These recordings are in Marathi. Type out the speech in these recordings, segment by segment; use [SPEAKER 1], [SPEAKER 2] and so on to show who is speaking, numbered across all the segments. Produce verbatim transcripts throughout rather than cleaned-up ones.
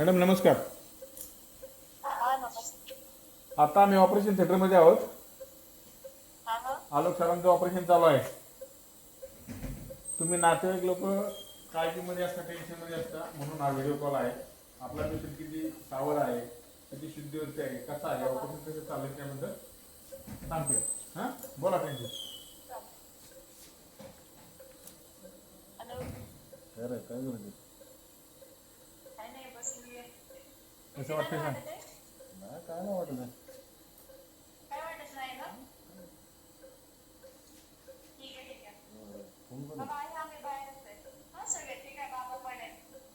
[SPEAKER 1] मॅडम नमस्कार.
[SPEAKER 2] हा नमस्ते.
[SPEAKER 1] आता आम्ही ऑपरेशन थिएटरमध्ये आहोत.
[SPEAKER 2] हा हा
[SPEAKER 1] आलोक सरांचं ऑपरेशन चालू आहे. तुम्ही नातेवाईक लोक काळजीमध्ये असता, टेन्शनमध्ये असता, म्हणून हा व्हिडिओ कॉल आहे. आपला पेशंट किती सावध आहे, किती शुद्धीवरती आहे, कसा आहे, ऑपरेशन कसं चालू आहे त्याबद्दल सांगते. हां बोला त्यांची.
[SPEAKER 2] हॅलो.
[SPEAKER 3] खरं काय म्हणते
[SPEAKER 2] काय नाही बसली आहे.
[SPEAKER 1] कसं
[SPEAKER 2] तुम्हाला
[SPEAKER 1] वाटतं सांग.
[SPEAKER 2] वाटत आहे?
[SPEAKER 3] नाही काय नाही वाटत आहे.
[SPEAKER 2] काय वाटत नाही ना? ठीक आहे ठीक आहे.
[SPEAKER 3] कोण कोण
[SPEAKER 2] बाबा आहे आम्ही बाहेरच आहे. हा सगळे ठीक आहे. बाबा पण आहे.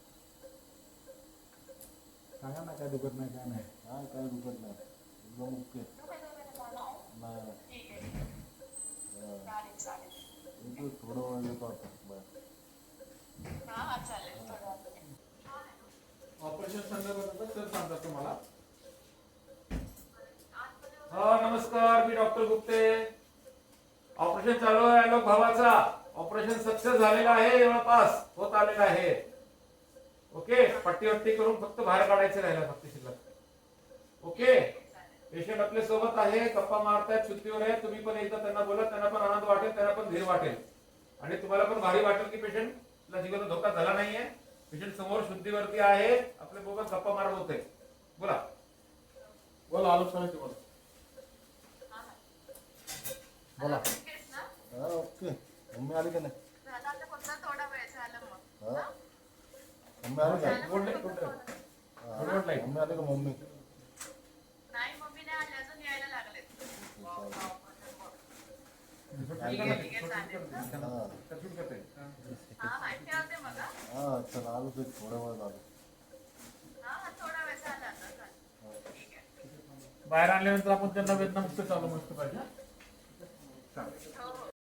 [SPEAKER 1] सांगा ना काय दुखत नाही काय नाही.
[SPEAKER 3] काय काय दुखत नाही एकदम ओके.
[SPEAKER 2] दुखत वगैरे मला आहे?
[SPEAKER 3] नाही
[SPEAKER 2] ठीक आहे ठीक आहे. चालेल चालेल.
[SPEAKER 3] नाही थोडं वेळ येतो आता बरं.
[SPEAKER 2] हा हा चालेल थोडं वेळाने.
[SPEAKER 1] ऑपरेशन संदर्भात सर सांगतात तुम्हाला. हा नमस्कार, मी डॉक्टर गुप्ते. ऑपरेशन चालू आहे आलोक भावाचा. ऑपरेशन सक्सेस झालेलं आहे, जवळपास होत आलेलं आहे. ओके, पट्टी वट्टी करून फक्त बाहेर काढायचं राहिलं फक्त शिल्लक. ओके, पेशंट आपल्या सोबत आहे, गप्पा मारतायत, सुट्टीवर आहे. तुम्ही पण एकदा त्यांना बोला, त्यांना पण आनंद वाटेल, त्यांना पण धीर वाटेल आणि तुम्हाला पण भारी वाटेल की पेशंटला जीवाला धोका झाला नाहीये. पेशंट समोर शुद्धीवरती आहे, आपल्या बोबत गप्पा मारत होते. बोला बोला आलोक सरांची बोला. बोला.
[SPEAKER 2] ओकेच ना?
[SPEAKER 3] हा ओके. मम्मी आली का नाही?
[SPEAKER 2] झालं आता फक्त थोडा वेळ झालं मग.
[SPEAKER 3] हा मम्मी आली का?
[SPEAKER 2] झालं
[SPEAKER 1] बोलले,
[SPEAKER 2] फक्त
[SPEAKER 1] बोलले.
[SPEAKER 2] थोडं.
[SPEAKER 3] हा,
[SPEAKER 1] गुड नाईट.
[SPEAKER 3] मम्मी आली का मम्मी?
[SPEAKER 2] नाही मम्मी नाही आली अजून यायला लागलेत. ठीक आहे ठीक आहे चालेल.
[SPEAKER 3] हा
[SPEAKER 2] हा हा ठेवते मग हा.
[SPEAKER 3] हा चल आलो ते थोड्या वेळ झालं.
[SPEAKER 2] हा हा थोडा वेळ झाला आता झालं. ठीक आहे.
[SPEAKER 1] बाहेर आणल्यानंतर आपण त्यांना वेदनामुक्त चालू मस्त पाहिजे. चालेल.
[SPEAKER 2] हो हो.